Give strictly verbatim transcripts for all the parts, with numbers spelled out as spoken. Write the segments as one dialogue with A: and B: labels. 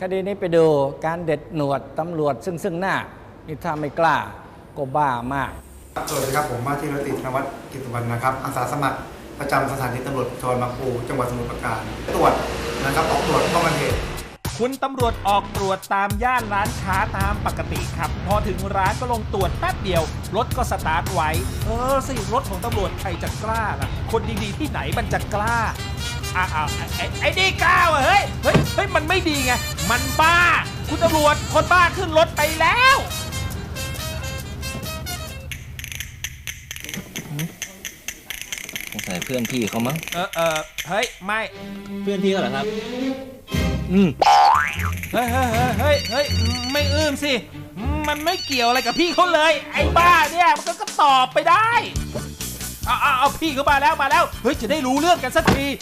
A: คดีนี้ไปดูการเด็ดหนวดตำรวจซึ่งซึ่งหน้านี่ถ้าไม่กล้าก็บ้ามาก
B: สวัสดีครับผมว่าที่ร้อยตรีธนวัฒน์กิตติวรรณนะครับอาสาสมัครประจำสถานีตำรวจภูธรบางปูจังหวัดสมุทรปราการตรวจนะครับออกตรวจป้องกันเหตุ
C: คุณตำรวจออกตรวจตามย่านร้านค้าตามปกติครับพอถึงร้านก็ลงตรวจแป๊บเดียวรถก็สตาร์ทไว้เออสิรถของตำรวจใครจะกล้าล่ะคนดีๆที่ไหนมันจะกล้าอ้าวไอ้ไอ้นี่กล้าเฮ้ยเฮ้ยเฮ้ยมันไม่ดีไงมันบ้าคุณตำรวจคนบ้าขึ้นรถไปแล้ว
D: สงสัยเพื่อนพี่เขามั้ง
C: เออเออเฮ้ยไม่
D: เพื่อนพี่เขาเหรอครับอืม
C: เฮ้ยเฮ้ยเฮ้ยเฮ้ยไม่อื้มสิมันไม่เกี่ยวอะไรกับพี่เขาเลยไอ้บ้าเนี่ยมันก็ตอบไปได้เอาเอาเอาพี่เขามาแล้วมาแล้วเฮ้ยจะได้รู้เรื่องกันสักที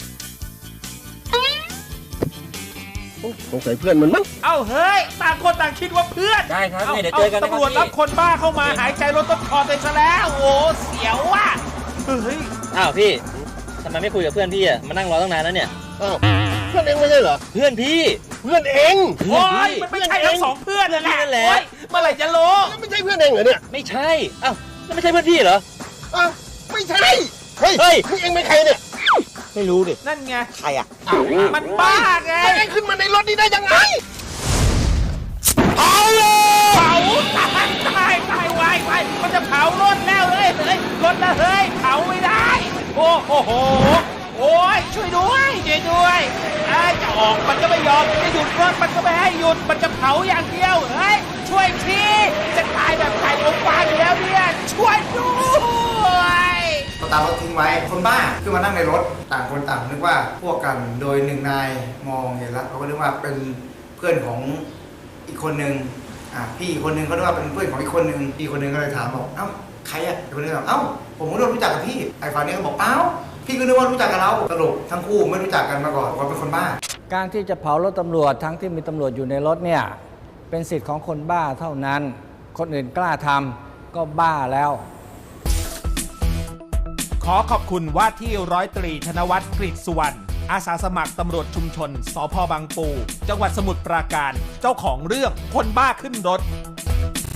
E: สงสัยเพื่อนมันมั้ง
C: เอ้าเฮ้ยต่างคนต่างคิดว่าเพื่อน
D: ได้ครับเดี๋ยวเจอกันนะครับ
C: ตำรวจรับคนบ้าเข้ามาหายใจรถต้นคอไปซะแล้วโอ้เสียวว่ะเฮ้ย
D: อ้าวพี่ทำไมไม่คุยกับเพื่อนพี่อ่ะมานั่งรอตั้งนานแล้วเนี่ย
E: อ้าวเพื่อนเองไม่ใช่เหรอ
D: เพื่อนพี่
E: เพื่อนเอง
C: โอ้ยมันไม่ใช่ทั้งสองเพื่อนนั่นแหละเมื่อไหร่จะรู้
E: ไม่ใช่เพื่อนเองเหรอเนี่ย
D: ไม่ใช่อ้าวแล้วไม่ใช่เพื่อนพี่เหรอ
E: อ้าวไม่ใช่เฮ้ยเฮ้ยนี่เองเป็นใครเนี่ย
D: ไม่รู้ดิ
C: นั่นไง
E: ใครอ่ะ
C: มันบ้าไง
E: เองขึ้นมาในรถนี้ได้ยังไง
C: เผาเผาตายตายตายวายวายมันจะเผารถแล้วเลยเฮ้ยรถนะเฮ้ยเผาไม่ได้โอ้โหโอ้ยช่วยด้วยช่วยด้วยไอ้จะออกมันก็ไม่ยอมจะหยุดรถมันก็ไม่ให้หยุดมันจะเผาอย่างเดียวเฮ้ยช่วยทีจะตายแบบไก่อบฟางอยู่แล้วเนี่ยช่วยด้วย
B: ก็ตามรถทิ้งไว้คนบ้าขึ้นมานั่งในรถต่างคนต่างนึกว่าพวกกันโดยหนึ่งนายมองเห็นแล้วเขาก็นึกว่าเป็นเพื่อนของอีกคนนึงอ่ะพี่อีกคนนึงเขาคิดว่าเป็นเพื่อนของอีกคนนึงพี่คนนึงก็เลยถามบอกเอ้าใครอ่ะอีกคนนึงบอกเอ้าผมก็รู้จักกับพี่ไอ้ฝ่ายนี้ก็บอกเอ้าพี่ก็นึกว่ารู้จักกับเราสรุปทั้งคู่ไม่รู้จักกันมาก่อนว่าเป็นคนบ้า
A: การที่จะเผารถตำรวจทั้งที่มีตำรวจอยู่ในรถเนี่ยเป็นสิทธิ์ของคนบ้าเท่านั้นคนอื่นกล้าทำก็บ้าแล้ว
C: ขอขอบคุณว่าที่ร้อยตรีธนวัฒน์กฤษสุวรรณอาสาสมัครตำรวจชุมชนสภ.บางปูจังหวัดสมุทรปราการเจ้าของเรื่องคนบ้าขึ้นรถ